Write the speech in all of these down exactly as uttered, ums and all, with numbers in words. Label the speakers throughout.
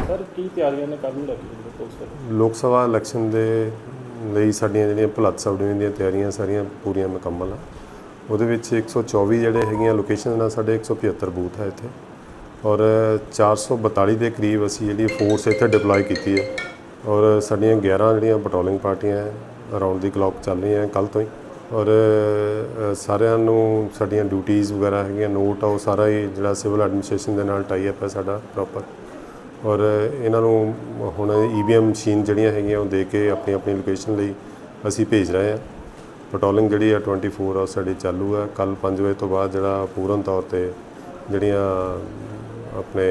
Speaker 1: Sir ਕੀ ਤਿਆਰੀਆਂ ਨੇ ਕੱਲ੍ਹ ਨੂੰ ਲੈ ਕੇ ਪੁਲਿਸ
Speaker 2: ਲੋਕ ਸਭਾ ਇਲੈਕਸ਼ਨ ਦੇ ਲਈ ਸਾਡੀਆਂ ਜਿਹੜੀਆਂ ਭੁਲੱਥ ਸਬ ਡਿਵੀਜ਼ਨ ਦੀਆਂ ਤਿਆਰੀਆਂ ਸਾਰੀਆਂ ਪੂਰੀਆਂ ਮੁਕੰਮਲ ਆ। ਉਹਦੇ ਵਿੱਚ ਇੱਕ ਸੌ ਚੌਵੀ ਜਿਹੜੇ ਹੈਗੀਆਂ ਲੋਕੇਸ਼ਨ ਨਾਲ ਸਾਡੇ ਇੱਕ ਸੌ ਪਝੱਤਰ ਬੂਥ ਹੈ ਇੱਥੇ, ਔਰ ਚਾਰ ਸੌ ਬਤਾਲੀ ਦੇ ਕਰੀਬ ਅਸੀਂ ਜਿਹੜੀ ਫੋਰਸ ਇੱਥੇ ਡਿਪਲੋਏ ਕੀਤੀ ਹੈ, ਔਰ ਸਾਡੀਆਂ ਗਿਆਰਾਂ ਜਿਹੜੀਆਂ ਪੈਟਰੋਲਿੰਗ ਪਾਰਟੀਆਂ ਅਰਾਊਂਡ ਦੀ ਕਲੌਕ ਚੱਲ ਰਹੀਆਂ ਕੱਲ੍ਹ ਤੋਂ ਹੀ, ਔਰ ਸਾਰਿਆਂ ਨੂੰ ਸਾਡੀਆਂ ਡਿਊਟੀਜ਼ ਵਗੈਰਾ ਹੈਗੀਆਂ ਨੋਟ ਆ, ਉਹ ਸਾਰਾ ਹੀ ਜਿਹੜਾ ਸਿਵਲ ਐਡਮਿਨਿਸਟ੍ਰੇਸ਼ਨ ਦੇ ਨਾਲ ਟਾਈ ਅਪ ਹੈ ਸਾਡਾ ਪ੍ਰੋਪਰ। ਔਰ ਇਹਨਾਂ ਨੂੰ ਹੁਣ ਈ ਵੀ ਐਮ ਮਸ਼ੀਨ ਜਿਹੜੀਆਂ ਹੈਗੀਆਂ ਉਹ ਦੇ ਕੇ ਆਪਣੀ ਆਪਣੀ ਲੋਕੇਸ਼ਨ ਲਈ ਅਸੀਂ ਭੇਜ ਰਹੇ ਹਾਂ। ਪੈਟਰੋਲਿੰਗ ਜਿਹੜੀ ਆ ਟਵੈਂਟੀ ਫੋਰ ਆਵਰ ਸਾਡੀ ਚਾਲੂ ਹੈ। ਕੱਲ੍ਹ ਪੰਜ ਵਜੇ ਤੋਂ ਬਾਅਦ ਜਿਹੜਾ ਪੂਰਨ ਤੌਰ 'ਤੇ ਜਿਹੜੀਆਂ ਆਪਣੇ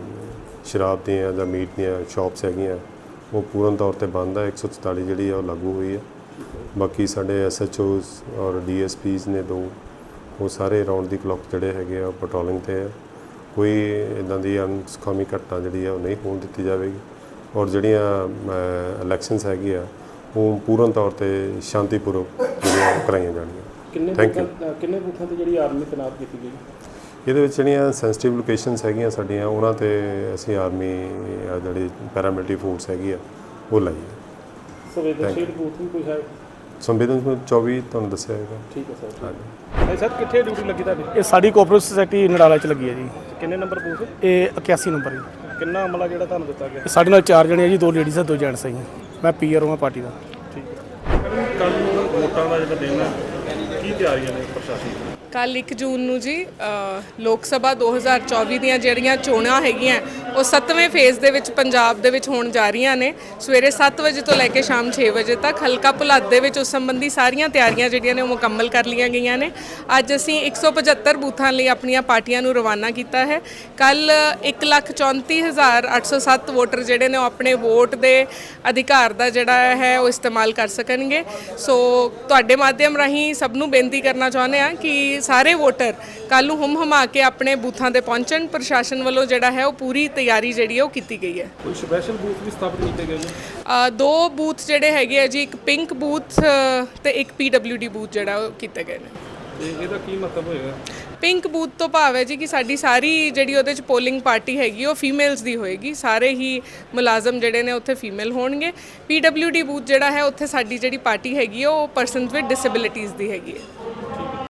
Speaker 2: ਸ਼ਰਾਬ ਦੀਆਂ ਜਾਂ ਮੀਟ ਦੀਆਂ ਸ਼ਾਪਸ ਹੈਗੀਆਂ ਉਹ ਪੂਰਨ ਤੌਰ 'ਤੇ ਬੰਦ ਹੈ। ਇੱਕ ਸੌ ਚੁਤਾਲੀ ਜਿਹੜੀ ਆ ਉਹ ਲਾਗੂ ਹੋਈ ਹੈ। ਬਾਕੀ ਸਾਡੇ ਐਸ ਐਚ ਓਜ਼ ਔਰ ਡੀ ਐਸ ਪੀਜ਼ ਨੇ ਦੋ, ਉਹ ਸਾਰੇ ਰਾਊਂਡ ਦੀ ਕਲੌਕ ਜਿਹੜੇ ਹੈਗੇ ਆ ਪੈਟਰੋਲਿੰਗ 'ਤੇ ਹੈ। ਕੋਈ ਇੱਦਾਂ ਦੀ ਅਨਸੁਖਾਵੀ ਘਟਨਾ ਜਿਹੜੀ ਆ ਉਹ ਨਹੀਂ ਹੋਣ ਦਿੱਤੀ ਜਾਵੇਗੀ, ਔਰ ਜਿਹੜੀਆਂ ਇਲੈਕਸ਼ਨਸ ਹੈਗੀ ਆ ਉਹ ਪੂਰਨ ਤੌਰ 'ਤੇ ਸ਼ਾਂਤੀਪੂਰਵਕ ਜਿਹੜੀਆਂ ਕਰਾਈਆਂ ਜਾਣਗੀਆਂ। Thank you.
Speaker 1: ਕਿੰਨੇ ਬੂਥਾਂ 'ਤੇ ਜਿਹੜੀ ਆਰਮੀ ਤੈਨਾਤ ਕੀਤੀ ਗਈ?
Speaker 2: ਇਹਦੇ ਵਿੱਚ ਜਿਹੜੀਆਂ ਸੈਂਸਿਟਿਵ ਲੋਕੇਸ਼ਨਸ ਹੈਗੀਆਂ ਸਾਡੀਆਂ ਉਹਨਾਂ 'ਤੇ ਅਸੀਂ ਆਰਮੀ ਜਿਹੜੀ ਪੈਰਾਮਿਲਟਰੀ ਫੋਰਸ ਹੈਗੀ ਆ ਉਹ ਲਾਈ ਹੈ।
Speaker 1: ਸੰਵੇਦਨਸ਼ੀਲ ਬੂਥ ਵੀ ਕੋਈ ਹੈ?
Speaker 2: ਸੰਵੇਦਨਸ਼ੀਲ ਚੌਵੀ ਤੁਹਾਨੂੰ ਦੱਸਿਆ ਹੈਗਾ।
Speaker 1: ਠੀਕ ਹੈ ਸਰ। ਹਾਂਜੀ ਸਰ, ਕਿੱਥੇ ਡਿਊਟੀ ਲੱਗੀ ਤੁਹਾਡੀ?
Speaker 3: ਇਹ ਸਾਡੀ ਕੋਆਪਰੇਟਿਵ ਸੁਸਾਇਟੀ ਨਡਾਲਾ 'ਚ ਲੱਗੀ ਹੈ ਜੀ।
Speaker 1: ਕਿੰਨੇ ਨੰਬਰ ਬੂਥ?
Speaker 3: ਇਹ ਇਕਿਆਸੀ ਨੰਬਰ ਜੀ।
Speaker 1: ਕਿੰਨਾ ਅਮਲਾ ਜਿਹੜਾ ਤੁਹਾਨੂੰ ਦਿੱਤਾ ਗਿਆ?
Speaker 3: ਸਾਡੇ ਨਾਲ ਚਾਰ ਜਣੇ ਆ ਜੀ, ਦੋ ਲੇਡੀਜ਼ ਆ ਦੋ ਜੈਂਟਸ ਆ ਜੀ। ਮੈਂ ਪੀ ਆਰ ਓ ਹਾਂ ਪਾਰਟੀ ਦਾ।
Speaker 1: ਠੀਕ ਹੈ। ਕੱਲ੍ਹ ਨੂੰ ਵੋਟਾਂ ਦਾ ਜਿਹੜਾ ਦਿਨ ਹੈ, ਕੀ ਤਿਆਰੀਆਂ ਨੇ ਪ੍ਰਸ਼ਾਸਨ ਦੀਆਂ?
Speaker 4: ਕੱਲ੍ਹ ਇੱਕ ਜੂਨ ਨੂੰ ਜੀ ਲੋਕ ਸਭਾ ਦੋ ਹਜ਼ਾਰ ਚੌਵੀ ਦੀਆਂ ਜਿਹੜੀਆਂ ਚੋਣਾਂ ਹੈਗੀਆਂ ਉਹ ਸੱਤਵੇਂ ਫੇਜ਼ ਦੇ ਵਿੱਚ ਪੰਜਾਬ ਦੇ ਵਿੱਚ ਹੋਣ ਜਾ ਰਹੀਆਂ ਨੇ। ਸਵੇਰੇ ਸੱਤ ਵਜੇ ਤੋਂ ਲੈ ਕੇ ਸ਼ਾਮ ਛੇ ਵਜੇ ਤੱਕ ਹਲਕਾ ਭੁਲੱਥ ਦੇ ਵਿੱਚ ਉਸ ਸੰਬੰਧੀ ਸਾਰੀਆਂ ਤਿਆਰੀਆਂ ਜਿਹੜੀਆਂ ਨੇ ਉਹ ਮੁਕੰਮਲ ਕਰ ਲਈਆਂ ਗਈਆਂ ਨੇ। ਅੱਜ ਅਸੀਂ ਇੱਕ ਸੌ ਪਝੱਤਰ ਬੂਥਾਂ ਲਈ ਆਪਣੀਆਂ ਪਾਰਟੀਆਂ ਨੂੰ ਰਵਾਨਾ ਕੀਤਾ ਹੈ। ਕੱਲ੍ਹ ਇੱਕ ਲੱਖ ਚੌਂਤੀ ਹਜ਼ਾਰ ਅੱਠ ਸੌ ਸੱਤ ਵੋਟਰ ਜਿਹੜੇ ਨੇ ਉਹ ਆਪਣੇ ਵੋਟ ਦੇ ਅਧਿਕਾਰ ਦਾ ਜਿਹੜਾ ਹੈ ਉਹ ਇਸਤੇਮਾਲ ਕਰ ਸਕਣਗੇ। ਸੋ ਤੁਹਾਡੇ ਮਾਧਿਅਮ ਰਾਹੀਂ ਸਭ ਨੂੰ ਬੇਨਤੀ ਕਰਨਾ ਚਾਹੁੰਦੇ ਹਾਂ ਕਿ ਸਾਰੇ ਵੋਟਰ ਕੱਲ੍ਹ ਨੂੰ ਹੁਮ ਹੁਮਾ ਕੇ ਆਪਣੇ ਬੂਥਾਂ 'ਤੇ ਪਹੁੰਚਣ। ਪ੍ਰਸ਼ਾਸਨ ਵੱਲੋਂ ਜਿਹੜਾ ਹੈ ਉਹ ਪੂਰੀ ਤਿਆਰੀ ਜਿਹੜੀ ਹੈ ਉਹ ਕੀਤੀ ਗਈ ਹੈ।
Speaker 1: ਕੋਈ ਸਪੈਸ਼ਲ ਬੂਥ ਵੀ ਸਥਾਪਿਤ ਕੀਤੇ ਗਏ ਨੇ?
Speaker 4: ਦੋ ਬੂਥ ਜਿਹੜੇ ਹੈਗੇ ਆ ਜੀ, ਇੱਕ ਪਿੰਕ ਬੂਥ ਤੇ ਇੱਕ ਪੀ ਡਬਲਿਊ ਡੀ ਬੂਥ ਜਿਹੜਾ ਉਹ ਕੀਤੇ ਗਏ ਨੇ।
Speaker 1: ਤੇ ਇਹਦਾ ਕੀ ਮਤਲਬ ਹੋਏਗਾ?
Speaker 4: ਪਿੰਕ ਬੂਥ ਤੋਂ ਭਾਵ ਹੈ ਜੀ ਕਿ ਸਾਡੀ ਸਾਰੀ ਜਿਹੜੀ ਉਹਦੇ 'ਚ ਪੋਲਿੰਗ ਪਾਰਟੀ ਹੈਗੀ ਉਹ ਫੀਮੇਲਸ ਦੀ ਹੋਏਗੀ। ਸਾਰੇ ਹੀ ਮੁਲਾਜ਼ਮ ਜਿਹੜੇ ਨੇ ਉੱਥੇ ਫੀਮੇਲ ਹੋਣਗੇ। ਪੀ ਡਬਲਿਊ ਡੀ ਬੂਥ ਜਿਹੜਾ ਹੈ ਉੱਥੇ ਸਾਡੀ ਜਿਹੜੀ ਪਾਰਟੀ ਹੈਗੀ ਉਹ ਪਰਸਨਸ ਵਿਦ ਡਿਸੇਬਿਲਿਟੀਜ਼ ਦੀ ਹੈਗੀ ਹੈ।